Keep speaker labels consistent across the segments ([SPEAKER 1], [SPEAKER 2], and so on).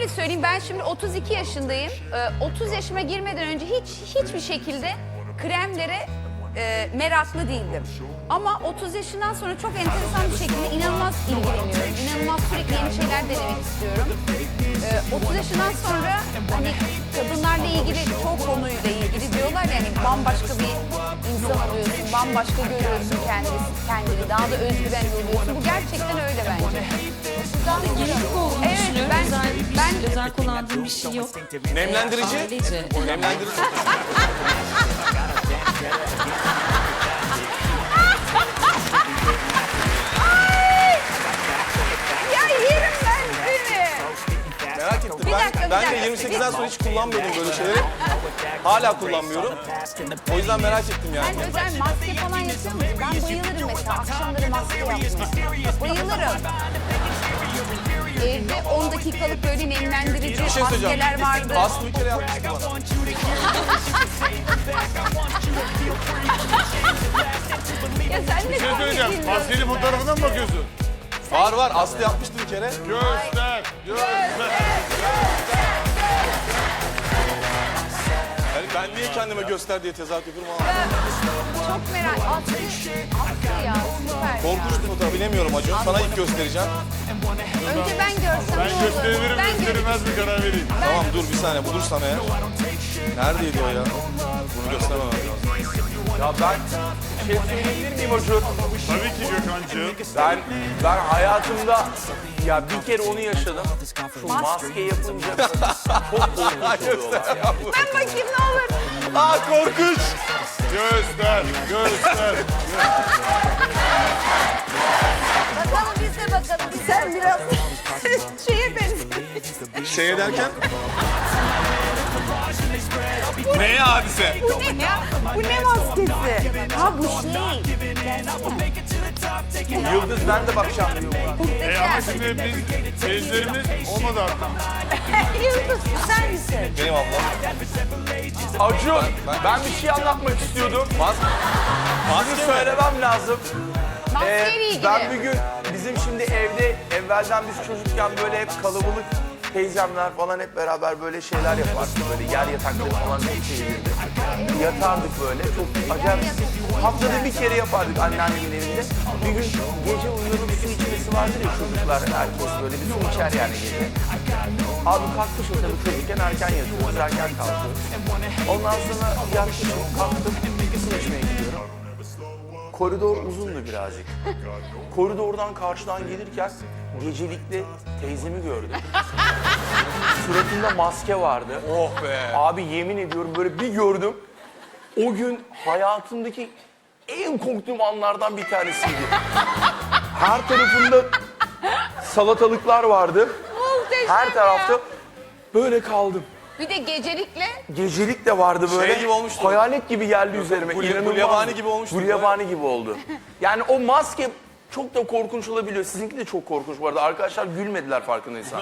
[SPEAKER 1] şöyle söyleyeyim, ben şimdi 32 yaşındayım. 30 yaşıma girmeden önce hiçbir şekilde kremlere meraklı değildim. Ama 30 yaşından sonra çok enteresan bir şekilde inanılmaz ilgileniyorum. İnanılmaz sürekli yeni şeyler denemek istiyorum. 30 yaşından sonra hani kadınlarla ilgili çok konuyla ilgili diyorlar ya, hani bambaşka bir insan oluyorsun, bambaşka görüyorsun kendini, daha da özgüvenli oluyorsun. Bu gerçekten öyle bence.
[SPEAKER 2] Genetik olduğunu
[SPEAKER 1] Evet,
[SPEAKER 2] düşünüyorum.
[SPEAKER 1] ben
[SPEAKER 2] özel kullandığım bir şey yok.
[SPEAKER 3] Nemlendirici.
[SPEAKER 2] Ailece.
[SPEAKER 3] Nemlendirici.
[SPEAKER 1] ya yerim ben seni.
[SPEAKER 3] Merak ettim.
[SPEAKER 1] Bir dakika,
[SPEAKER 3] Ben de
[SPEAKER 1] bir dakika.
[SPEAKER 3] 28'den sonra hiç kullanmıyordum böyle şeyleri. Hala kullanmıyorum. O yüzden merak ettim yani.
[SPEAKER 1] Sen özel maske falan yapıyor musun? Ben bayılırım mesela akşamları maske yapmaya. Bayılırım. Evde 10 dakikalık böyle nemlendirici
[SPEAKER 3] Bir şey söyleyeceğim.
[SPEAKER 1] maskeler vardı.
[SPEAKER 3] Aslı bir kere yapmıştı bana.
[SPEAKER 1] Ya sen ne
[SPEAKER 4] Bir şey söyleyeceğim. Maskeli fotoğrafına mı bakıyorsun?
[SPEAKER 3] Var Aslı yapmıştı bir kere.
[SPEAKER 4] Göster.
[SPEAKER 3] Yani ben niye kendime göster diye tezahürat yapıyorum ama.
[SPEAKER 1] Çok merak. Aslı ya süper.
[SPEAKER 3] Korkunçtu fotoğraf. Bilemiyorum Acun. Sana ilk göstereceğim.
[SPEAKER 1] Önce ben görsem
[SPEAKER 4] Ben
[SPEAKER 1] ne olur?
[SPEAKER 4] gösterebilirim,
[SPEAKER 1] Ben
[SPEAKER 4] gösterilmez mi karar vereyim.
[SPEAKER 3] Tamam dur bir saniye bulursam eğer. Neredeydi o ya? Bunu göstermemem lazım.
[SPEAKER 5] Ya ben bir şey söyleyebilir miyim Acun?
[SPEAKER 4] Tabii ki Gökhan'cığım.
[SPEAKER 5] Ben hayatımda ya bir kere onu yaşadım. Şu maske yapınca çok korkunç oluyorlar ya.
[SPEAKER 1] Ben bakayım ne olur.
[SPEAKER 3] Aa korkunç.
[SPEAKER 4] Göster.
[SPEAKER 1] Bakalım biz de bakalım. Sen biraz şeye benziyorsun.
[SPEAKER 3] Şey derken? Neye hadise?
[SPEAKER 1] Bu ne ya? Bu ne maskesi? Ha bu şey.
[SPEAKER 5] Yıldız ben de bakacağım diyor.
[SPEAKER 4] Ama şimdi biz seyircilerimiz olmadı artık.
[SPEAKER 1] Yıldız güzel misin?
[SPEAKER 3] Benim ablam.
[SPEAKER 5] Acun ben bir şey anlatmak istiyordum. Bunu söylemem lazım.
[SPEAKER 1] Maskeyle ilgili.
[SPEAKER 5] Ben bir gün bizim şimdi evde evvelden biz çocukken böyle hep kalabalık teyzemler falan hep beraber böyle şeyler yapardık. Böyle yer yatakları falan çok sevilirdi. Yatardık böyle çok acayip. Haftada bir kere yapardık anneannemin evinde. Bir gün gece uyuyorduk su içmesi vardır ya çocuklar herkes böyle bir su içer yani gece. Abi kalkmışım tabii çocukken erken yatıyoruz, erken kalkıyoruz. Ondan sonra yatmışım, kalktım, su içmeye gidiyorum. Koridor uzundu birazcık. Koridordan karşıdan gelirken gecelikli teyzemi gördüm. Suratında maske vardı.
[SPEAKER 3] Oh be.
[SPEAKER 5] Abi yemin ediyorum böyle bir gördüm. O gün hayatımdaki en korktuğum anlardan bir tanesiydi. Her tarafında salatalıklar vardı.
[SPEAKER 1] Muhteşem
[SPEAKER 5] Her tarafta
[SPEAKER 1] ya.
[SPEAKER 5] böyle kaldım.
[SPEAKER 1] Bir de gecelikle.
[SPEAKER 5] Gecelik de vardı böyle.
[SPEAKER 3] Şey gibi olmuştu.
[SPEAKER 5] Hayalet gibi geldi üzerime.
[SPEAKER 3] Gulyabani gibi olmuştu.
[SPEAKER 5] Gulyabani gibi oldu. Yani o maske çok da korkunç olabiliyor. Sizinki de çok korkunç bu arada. Arkadaşlar gülmediler farkındaysan.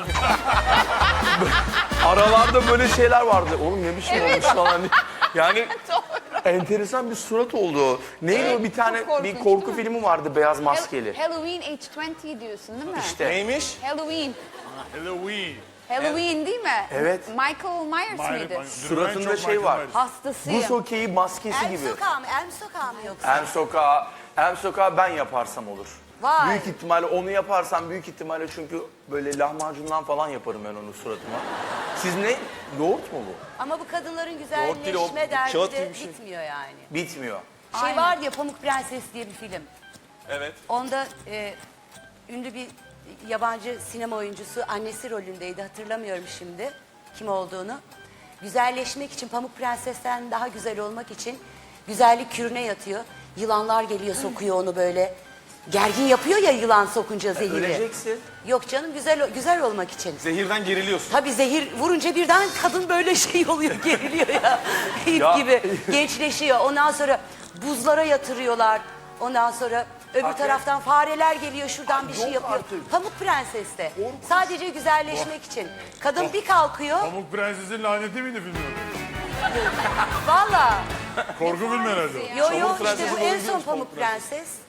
[SPEAKER 5] Aralarda böyle şeyler vardı. Oğlum ne biçim olmuş falan. Yani enteresan bir surat oldu o. Neydi
[SPEAKER 1] Evet,
[SPEAKER 5] o bir tane
[SPEAKER 1] çok korkunç,
[SPEAKER 5] bir korku
[SPEAKER 1] değil mi?
[SPEAKER 5] filmi vardı beyaz maskeli.
[SPEAKER 1] Halloween H20 diyorsun değil mi?
[SPEAKER 5] İşte.
[SPEAKER 3] Neymiş?
[SPEAKER 1] Halloween.
[SPEAKER 4] Halloween.
[SPEAKER 1] Halloween değil mi?
[SPEAKER 5] Evet.
[SPEAKER 1] Michael Myers mıydı?
[SPEAKER 5] Suratında şey var.
[SPEAKER 1] Hastasıyım.
[SPEAKER 5] Buz hokeyi maskesi gibi.
[SPEAKER 6] Elm sokağı mı yoksa?
[SPEAKER 5] En sokağı ben yaparsam olur.
[SPEAKER 6] Vay.
[SPEAKER 5] Büyük ihtimalle onu yaparsam büyük ihtimalle çünkü böyle lahmacundan falan yaparım ben onu suratıma. Siz ne? Yoğurt mu bu?
[SPEAKER 6] Ama bu kadınların
[SPEAKER 3] Yoğurt değil, o
[SPEAKER 6] güzelleşme derdi
[SPEAKER 3] kağıt
[SPEAKER 6] de
[SPEAKER 3] gibi bir şey.
[SPEAKER 6] bitmiyor yani.
[SPEAKER 5] Bitmiyor.
[SPEAKER 6] Şey var ya Pamuk Prenses diye bir film.
[SPEAKER 3] Evet.
[SPEAKER 6] Onda ünlü bir yabancı sinema oyuncusu annesi rolündeydi. Hatırlamıyorum şimdi kim olduğunu. Güzelleşmek için Pamuk Prenses'ten daha güzel olmak için güzellik kürüne yatıyor. Yılanlar geliyor sokuyor onu böyle. Gergin yapıyor ya yılan sokunca zehiri.
[SPEAKER 5] Öleceksin.
[SPEAKER 6] Yok canım güzel olmak için.
[SPEAKER 3] Zehirden geriliyorsun.
[SPEAKER 6] Tabii zehir vurunca birden kadın böyle şey oluyor, geriliyor ya. İp
[SPEAKER 5] Ya.
[SPEAKER 6] gibi gençleşiyor. Ondan sonra buzlara yatırıyorlar. Ondan sonra öbür taraftan fareler geliyor şuradan bir şey
[SPEAKER 5] yok
[SPEAKER 6] yapıyor.
[SPEAKER 5] artık.
[SPEAKER 6] Pamuk Prenses'te. Sadece güzelleşmek için. Kadın bir kalkıyor.
[SPEAKER 4] Pamuk Prenses'in laneti miydi filmi?
[SPEAKER 6] Valla.
[SPEAKER 4] Korku filmi herhalde.
[SPEAKER 6] Yo
[SPEAKER 3] Pamuk
[SPEAKER 6] işte
[SPEAKER 3] Prenses'in
[SPEAKER 6] bu en
[SPEAKER 3] oyuncuymuş
[SPEAKER 6] son
[SPEAKER 3] Pamuk
[SPEAKER 6] Pamuk Prenses.